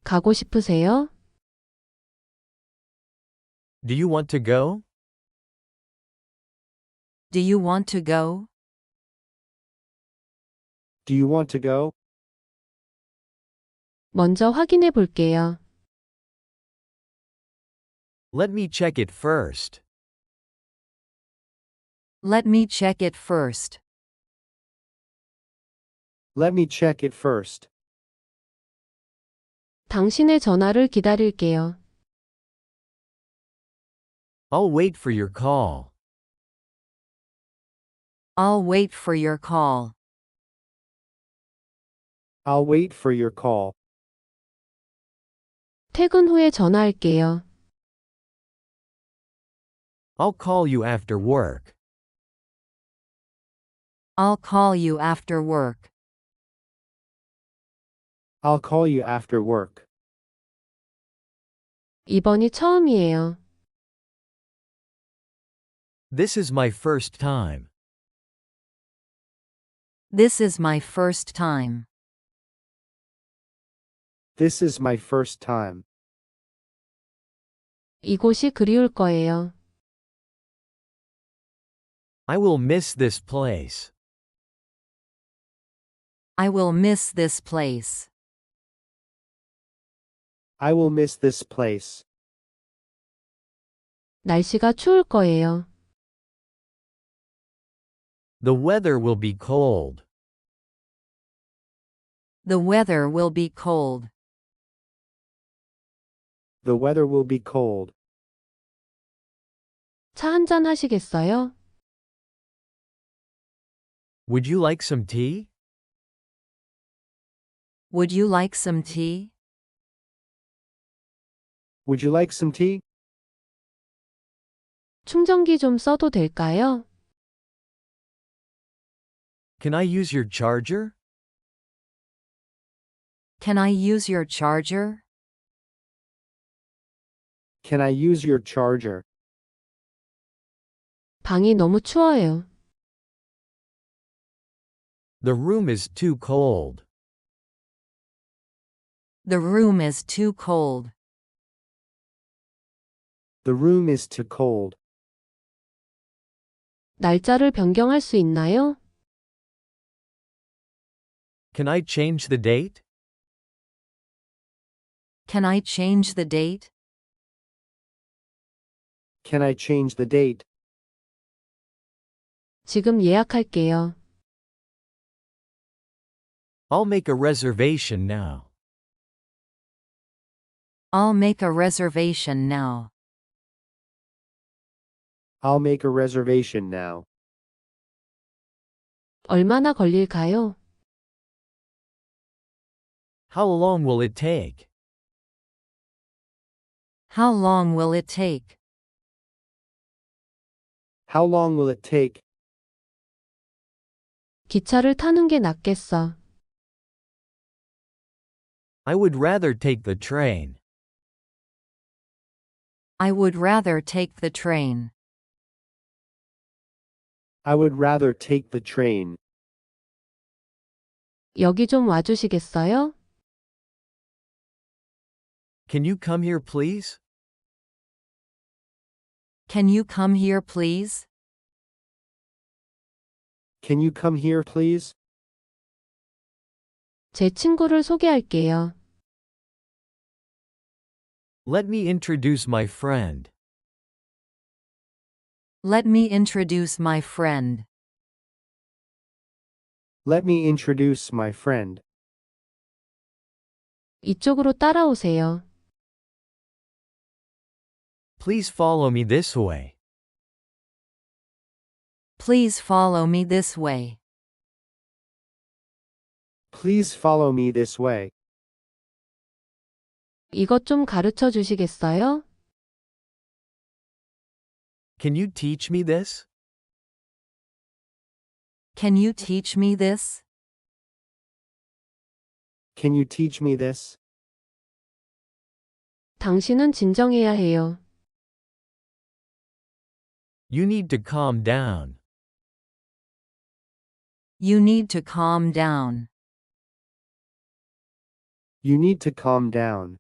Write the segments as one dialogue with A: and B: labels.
A: 가고 싶으세요?
B: Do you want to go?
C: Do you want to go?
D: Do you want to go?
A: 먼저 확인해 볼게요.
B: Let me check it first.
C: Let me check it first.
D: Let me check it first.
A: 당신의 전화를 기다릴게요.
B: I'll wait for your call.
C: I'll wait for your call.
D: I'll wait for your call.
A: 퇴근 후에 전화할게요.
B: I'll call you after work.
C: I'll call you after work.
D: I'll call you after work.
A: 이번이 처음이에요.
B: This is my first time.
C: This is my first time.
D: This is my first time.
A: 이곳이 그리울 거예요.
B: I will miss this place.
C: I will miss this place.
D: I will miss this place.
A: 날씨가 추울 거예요.
B: The weather will be cold.
C: The weather will be cold.
D: The weather will be cold.
A: 차 한잔 하시겠어요?
B: Would you like some tea?
C: Would you like some tea?
D: Would you like some tea?
A: 충전기 좀 써도 될까요?
B: Can I use your charger?
C: Can I use your charger?
D: Can I use your charger?
A: 방이 너무 추워요.
B: The room is too cold.
C: The room is too cold.
D: The room is too cold.
A: 날짜를 변경할 수 있나요?
B: Can I change the date?
C: Can I change the date?
D: Can I change the date?
A: 지금 예약할게요.
B: I'll make a reservation now.
C: I'll make a reservation now.
D: I'll make a reservation now.
A: 얼마나 걸릴까요?
B: How long will it take?
C: How long will it take?
D: How long will it take?
A: 기차를 타는 게 낫겠어.
B: I would rather take the train.
C: I would rather take the train.
D: I would rather take the train.
A: 여기 좀 와주시겠어요?
B: Can you come here, please?
C: Can you come here, please?
D: Can you come here, please?
A: 제 친구를 소개할게요.
B: Let me introduce my friend.
C: Let me introduce my friend.
D: Let me introduce my friend.
A: 이쪽으로 따라오세요.
B: Please follow me this way.
C: Please follow me this way.
D: Please follow me this way.
A: 이것 좀 가르쳐 주시겠어요?
B: Can you teach me this?
C: Can you teach me this?
D: Can you teach me this?
A: 당신은 진정해야 해요.
B: You need to calm down.
C: You need to calm down.
D: You need to calm down.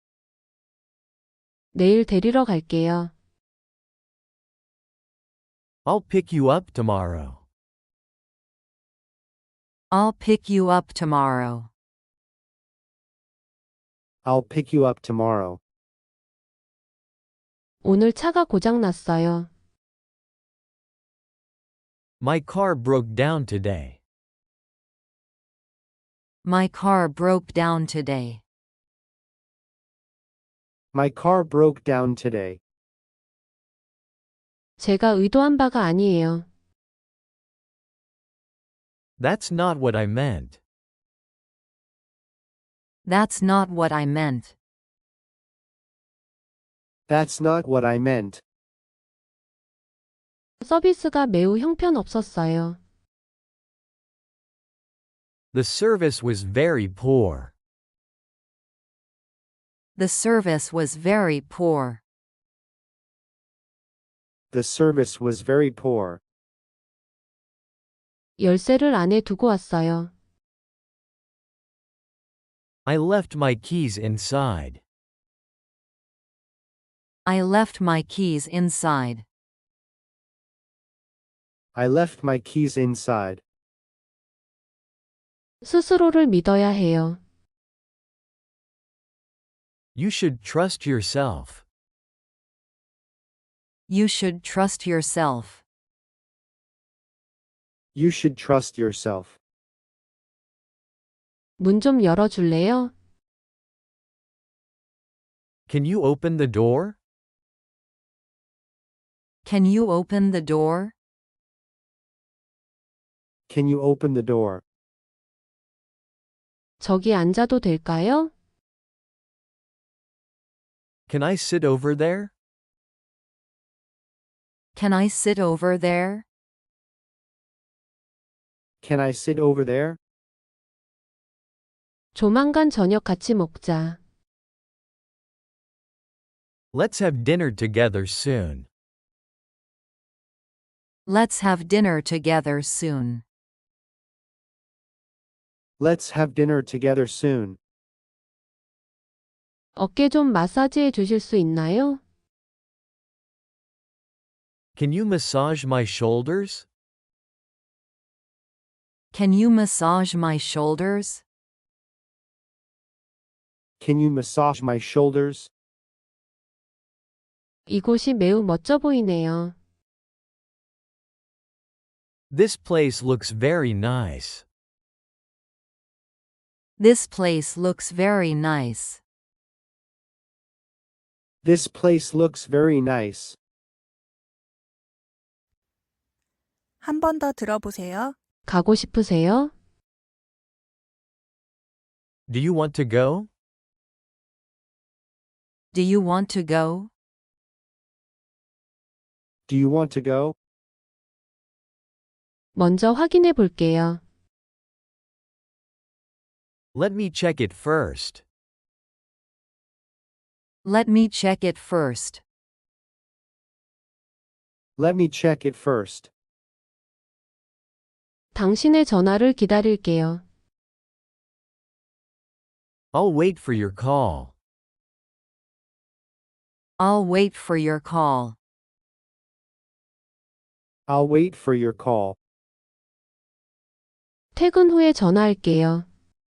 A: 내일 데리러 갈게요.
B: I'll pick you up tomorrow.
C: I'll pick you up tomorrow.
D: I'll pick you up tomorrow.
A: 오늘 차가 고장 났어요.
B: My car broke down today.
C: My car broke down today.
D: My car broke down today.
A: 제가 의도한 바가 아니에요.
B: That's not what I meant.
C: That's not what I meant.
D: That's not what I meant.
A: 서비스가 매우 형편없었어요.
B: The service was very poor.
C: The service was very poor.
D: The service was very poor.
A: 열쇠를 안에 두고 왔어요.
B: I left my keys inside.
C: I left my keys inside.
D: I left my keys inside.
A: 스스로를 믿어야 해요.
B: You should trust yourself.
C: You should trust yourself.
D: You should trust yourself.
A: 문 좀 열어줄래요?
B: Can you open the door?
C: Can you open the door?
D: Can you open the door?
A: 저기 앉아도 될까요?
B: Can I sit over there?
C: Can I sit over there?
D: Can I sit over there?
A: 조만간 저녁 같이 먹자.
B: Let's have dinner together soon.
C: Let's have dinner together soon.
D: Let's have dinner together soon.
A: 어깨 좀 마사지해 주실 수 있나요?
B: Can you massage my shoulders?
C: Can you massage my shoulders?
D: Can you massage my shoulders?
A: 이곳이 매우 멋져 보이네요.
B: This place looks very nice.
C: This place looks very nice.
D: This place looks very nice.
E: 한 번 더 들어보세요.
A: 가고 싶으세요?
B: Do you want to go?
C: Do you want to go?
D: Do you want to go?
A: 먼저 확인해 볼게요.
B: Let me check it first.
C: Let me check it first.
D: Let me check it first.
A: 당신의 전화를 기다릴게요.
B: I'll wait for your call.
C: I'll wait for your call.
D: I'll wait for your call.
A: 퇴근 후에 전화할게요.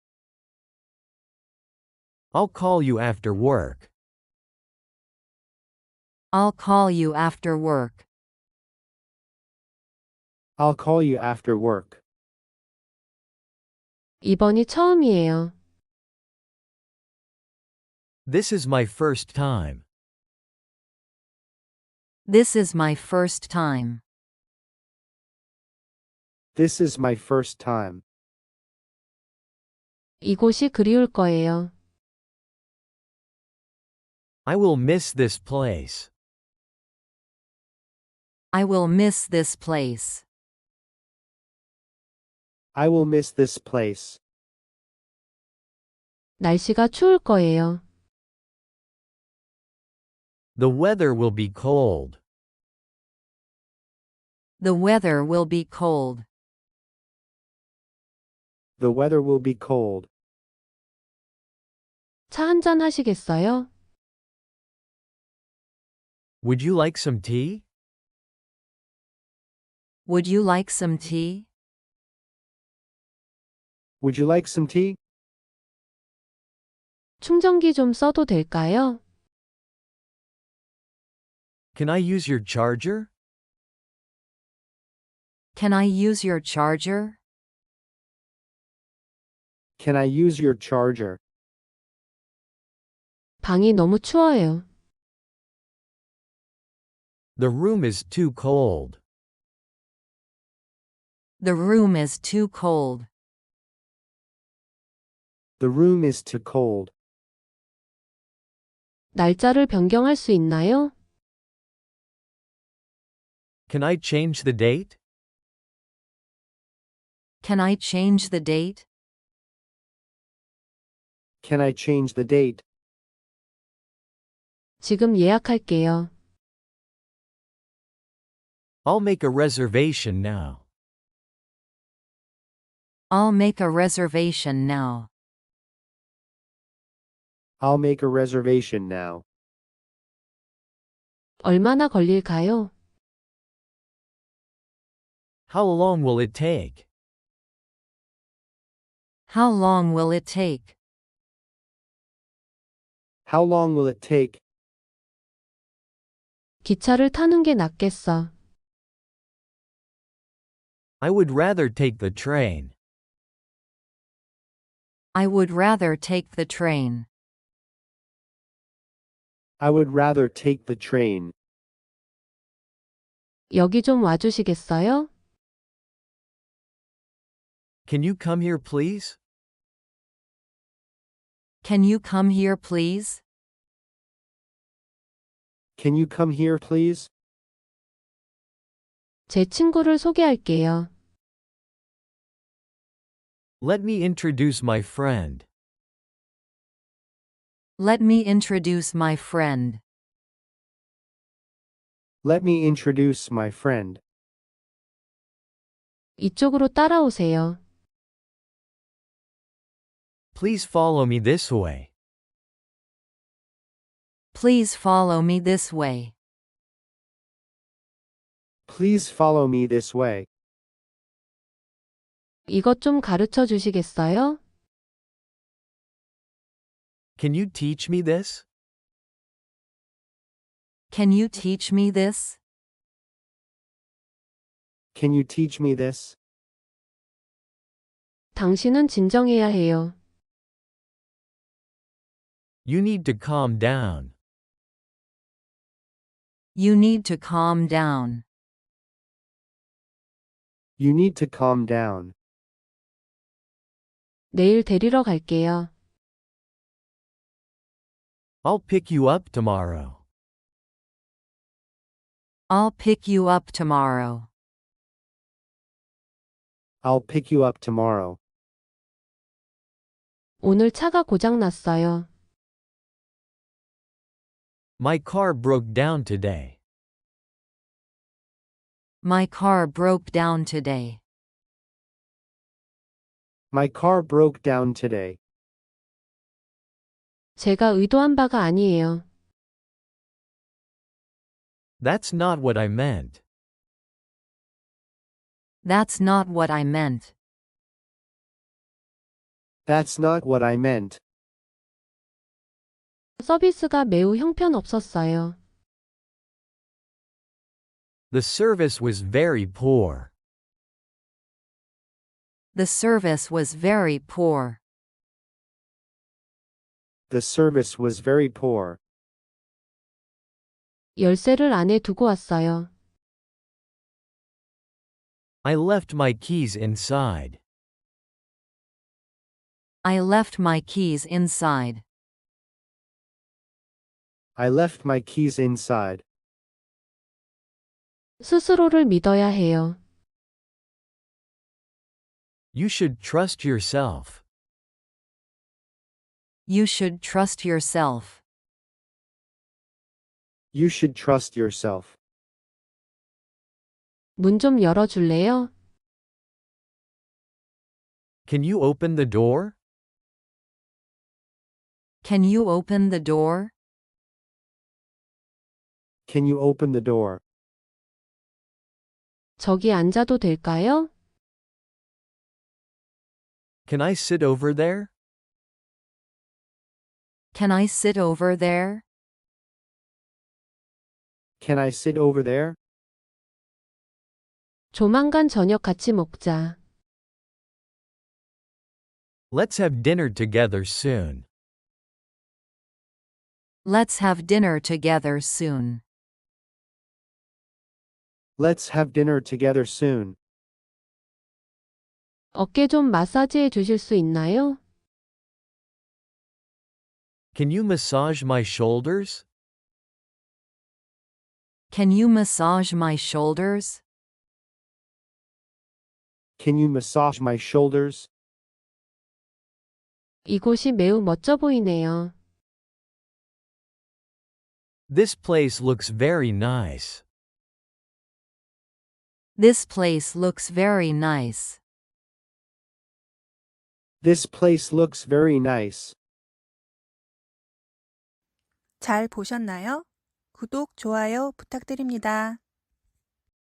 B: I'll call you after work.
C: I'll call you after work.
D: I'll call you after work.
A: 이번이 처음이에요.
B: This is my first time.
C: This is my first time.
D: This is my first time.
A: 이곳이 그리울 거예요.
B: I will miss this place.
C: I will miss this place.
D: I will miss this place.
A: 날씨가 추울 거예요.
B: The weather will be cold.
C: The weather will be cold.
D: The weather will be cold.
A: 차 한잔 하시겠어요?
B: Would you like some tea?
C: Would you like some tea?
D: Would you like some tea?
A: 충전기 좀 써도 될까요?
B: Can I use your charger?
C: Can I use your charger?
D: Can I use your charger?
A: 방이 너무 추워요.
B: The room is too cold.
C: The room is too cold.
D: The room is too cold.
A: 날짜를 변경할 수 있나요?
B: Can I change the date?
C: Can I change the date?
D: Can I change the date?
A: 지금 예약할게요.
B: I'll make a reservation now.
C: I'll make a reservation now.
D: I'll make a reservation now.
A: 얼마나 걸릴까요?
B: How long will it take?
C: How long will it take?
D: How long will it take?
A: 기차를 타는 게 낫겠어.
B: I would rather take the train.
C: I would rather take the train.
D: I would rather take the train.
A: 여기 좀 와주시겠어요?
B: Can you come here, please?
C: Can you come here, please?
D: Can you come here, please?
A: 제 친구를 소개할게요.
B: Let me introduce my friend.
C: Let me introduce my friend.
D: Let me introduce my friend.
A: 이쪽으로 따라오세요.
B: Please follow me this way.
C: Please follow me this way.
D: Please follow me this way.
A: 이것 좀 가르쳐 주시겠어요?
B: Can you teach me this?
C: Can you teach me this?
D: Can you teach me this?
A: 당신은 진정해야 해요.
B: You need to calm down.
C: You need to calm down.
D: You need to calm down.
A: 내일 데리러 갈게요.
B: I'll pick you up tomorrow.
C: I'll pick you up tomorrow.
D: I'll pick you up tomorrow.
A: 오늘 차가 고장 났어요.
B: My car broke down today.
C: My car broke down today.
D: My car broke down today.
A: 제가 의도한 바가 아니에요.
B: That's not what I meant.
C: That's not what I meant.
D: That's not what I meant.
A: 서비스가 매우 형편없었어요.
B: The service was very poor.
C: The service was very poor.
D: The service was very poor.
A: 열쇠를 안에 두고 왔어요.
B: I left my keys inside.
C: I left my keys inside.
D: I left my keys inside.
A: 스스로를 믿어야 해요.
B: You should trust yourself.
C: You should trust yourself.
D: You should trust yourself.
A: 문 좀 열어줄래요?
B: Can you open the door?
C: Can you open the door?
D: Can you open the door?
A: 저기 앉아도 될까요?
B: Can I sit over there?
C: Can I sit over there?
D: Can I sit over there?
A: 조만간 저녁 같이 먹자.
B: Let's have dinner together soon.
C: Let's have dinner together soon.
D: Let's have dinner together soon.
A: 어깨 좀 마사지해 주실 수 있나요?
B: Can you massage my shoulders?
C: Can you massage my shoulders?
D: Can you massage my shoulders?
A: 이곳이 매우 멋져 보이네요.
B: This place looks very nice.
C: This place looks very nice.
D: This place looks very nice.
E: 잘 보셨나요? 구독, 좋아요 부탁드립니다.